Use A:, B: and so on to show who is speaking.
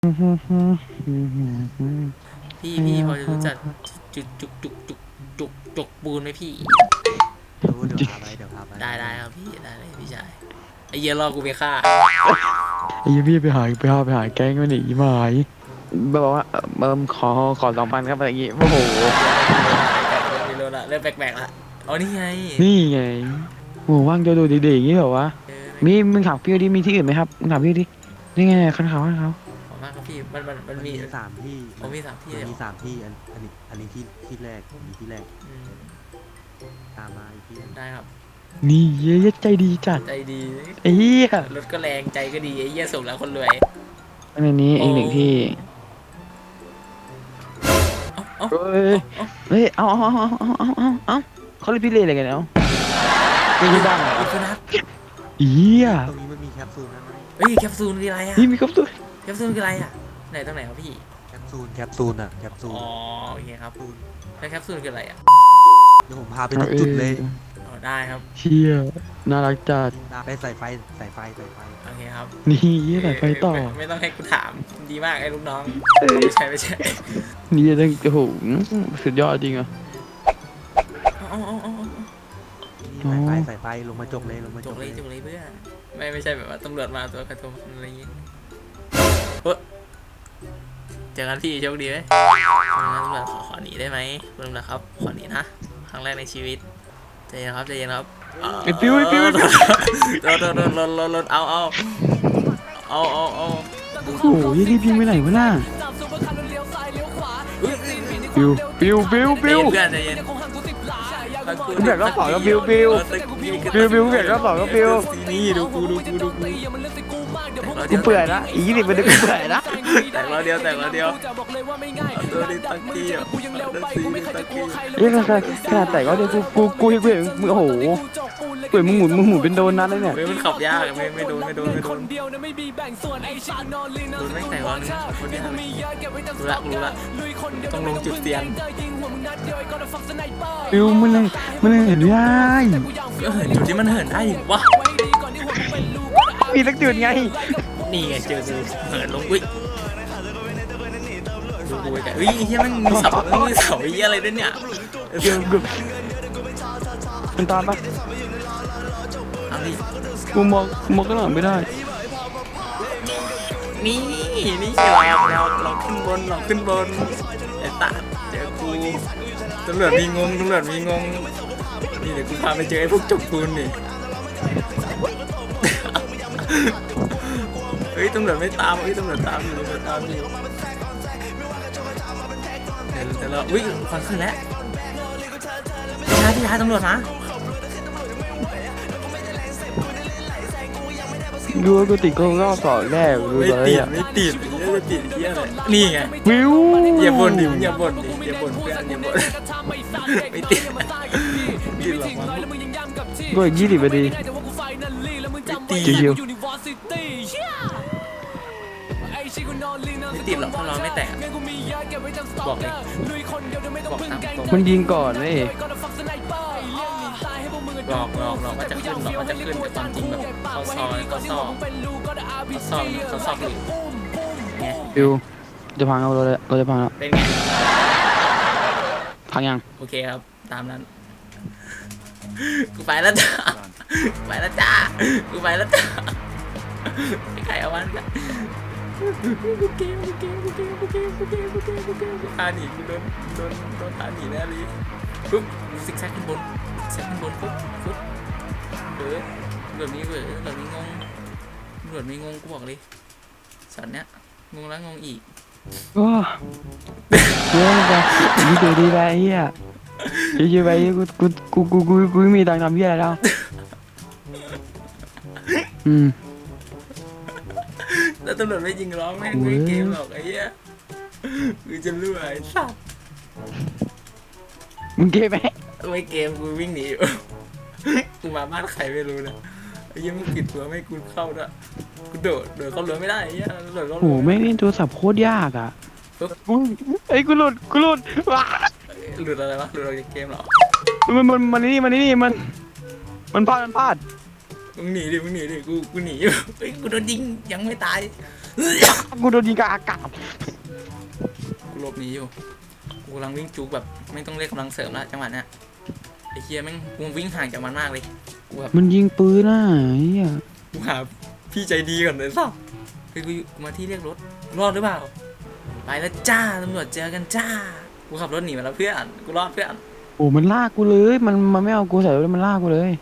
A: พี่พอจะรู้จักจุกปูนไหมพี่
B: รู้เดี๋ยวพาไป
A: ได้ครับพี่ได้เลยพี่ชายไอ้เหี้ยรอกูไปฆ่า
C: ไอ้ยี่พี่ไปหาแก๊งมันหนีมาหายบอกว่าขอ2,000ครับอะไรอย่างงี้โอ้โห
A: ไม่รู้ละเริ่มแปลกๆละอ๋อนี่ไง
C: นี่ไงโอ้ว่างจะดูเด็กๆอย่างงี้เหรอวะมึงถามพี่ดิมีที่อื่นไหมครับมึงถามพี่ดินี่ไงคันเขา
A: ขอบมากครับพี่มันมี
B: สามที่
A: ผมมี3 ที่
B: มัน
A: เลย
B: มี3 ที่อันนี้ที่แรกอันนี้ที่แรกตามมาอีกที่
A: ได้ครับ
C: นี่เย้ใจดีจัด
A: ใจดี
C: ไอ้เหี้ย
A: รถก็แรงใจก็ดีไอ้เหี้ยส่งแล้วคนรวย
C: อันนี้อีก1 ที่เฮ้ยเอาเขาเรียกพี่เล่อะไรกันเนาะไม่ใช่บ้างเหรอเหี้ย
B: ตรงนี้มันมีแคปซูลนะ
A: เฮ้ยแคปซูลคืออะไรอ่ะ
C: นี่มีครบตัว
A: แคปซูลคืออะไรอ่ะไหนตรงไหนครับพี่
B: แคปซูลอ่ะแคปซูล
A: อ๋อโอเคครับแล้วแคปซูลคืออะไรอ่ะ
B: เดี๋ยวผมพาไปทุกจุดเลย
A: ได้ครับ
C: เชี่ยน่ารักจัด
B: ไปใส่ไฟ
A: โอเคครับ
C: นี่ใส่ไฟต่อ
A: ไม่ต้องให้กูถามดีมากไอ้ลูกน้องไม่ใช่
C: นี่จะโอ้โหสุดยอดจริงอ่ะ
B: ใส่ไฟลงมาจกเลย
A: เพื่อนไม่ใช่แบบว่าตำรวจมาตัวกระทงอะไรอย่างงี้เจอกันพี่โชคดีไหมตำรวจขอหนีได้ไหมคุณตำรวจครับขอหนีนะครั้งแรกในชีวิตใจเย็นครับ
C: ไอ้ปิ้ว
A: รถเอา
C: โอ้โหยี่พิงไปไหนวะน่าปิ้ว
A: เพื่อนใจเย็น
C: มึงแบบรอบ2ก็ปิ้วเปลี่ยนรอบ2ก็ปิ้ว
A: นี่ดูกู
C: เปื่อยละอี20มันกูเปื่อยละ
A: แต่เราเดียวตัวนี้ตักกี้อ่ะ
C: ขนาดแต่ก็เดี๋ยวกูเห็นมึงโอ้โหเปื่อยมึงหมุนเป็นโดนนั้นเลยเนี่ย
A: มันขับยากไม่โดนโดนไม่แต่ร้อนนึงคนนี้รู้ละต้องลงจุดเตียน
C: ปิ้วมันเห็นไม่ได้
A: จุดที่มันเหินได้วะ
C: มีสักจุดไง
A: นี่ไงเจอกูเหินลงดูแต่เฮียมันมีเสาเฮียอะไรด้วยเนี่ย
C: มันตามปะ
A: เอาดิ
C: กูมองก็หลังไม่ได้
A: นี่เราขึ้นบนไอ้ตาเจอกูตำรวจมีงงนี่เดี๋ยวกูพาไปเจอไอ้พวกจกปูนนี่เฮ้ยตำรวจไม่ตามตำรวจตามอยู่แต่เราอุ้ยฟันขึ้นแล้วพี่ชายตำรวจมา
C: ดูว่ากูติดก็รอบ2แรกดูเลยอ่ะ
A: ไม่ติดเหี้ยอะไรนี่ไง
C: วิว
A: อย่าบ่นเพื่อนอย่าบ่นไม่ติดหรอก
C: ก็อีก20 นาทีชิว
A: ไม่ติดหรอกถ้าเราไม่แตกบอกเลย
C: มันยิงก่อนเลย
A: หลอกว่าจะขึ้นแต่ความจริงแบบเขาซอยหรือไง
C: วิวจะพังเอาเราจะพังแล้ว
A: เป็นไง
C: พังยัง
A: โอเคครับตามนั้นกูไปแล้วจ้าไปใครเอาวันกันกูเกมพาหนีกูโดนพาหนีแน่เลยปุ๊บซิกแซกขึ้นบนปุ๊บแบบนี้งงกูบอกเลยสันเนี้ยงงแล้วงงอีก
C: โอ้เยอะไปนี่เดี๋ยวดีไปเฮียเยอะไปกูไม่มีตังค์ทำเฮียอะไรแล้ว
A: แล้วตำรวจไม่ยิงร้องแม่งไม่เกมหรอกไอ้เหี้ยกูจะรวยสัตว์
C: มึงเกมไหม
A: ไม่เกมกูวิ่งหนีกูมาบ้านใครไม่รู้นะไอ้เหี้ยมึงปิดตัวไม่กูเข้าด้วยกูโดดเข้าเรือไม่ได้ไอ้เหี้ยโดดเข้า
C: โอ้ไม่เล่นโทรศัพท์โคตรยากอ่ะไอ้กูหลุดว้า
A: หลุดอะไรวะหลุดอะไรเกมหรอ
C: มันนี่มันพลาด
A: มึงหนีดิกูหนีอยู่เฮ้ยกูโดนยิงยังไม่ตาย
C: กูโดนยิงกลางอากาศ
A: กูหลบหนีอยู่กูกำลังวิ่งจุกแบบไม่ต้องเรียกกำลังเสริมละจังหวะเนี้ยไอ้เฮียแม่งกูวิ่งห่างจากมันมากเลยกูแบบ
C: มันยิงปืนน่ะเฮีย
A: กูหาพี่ใจดีก่อนเลยสัสเฮ้ยกูมาที่เรียกรถรอดหรือเปล่าไปแล้วจ้าตำรวจเจอกันจ้ากูขับรถหนีมาแล้วเพื่อนกูรอดเพื่อน
C: โอ้มันลากกูเลยมันไม่เอากูใส่รถมันลากกูเลย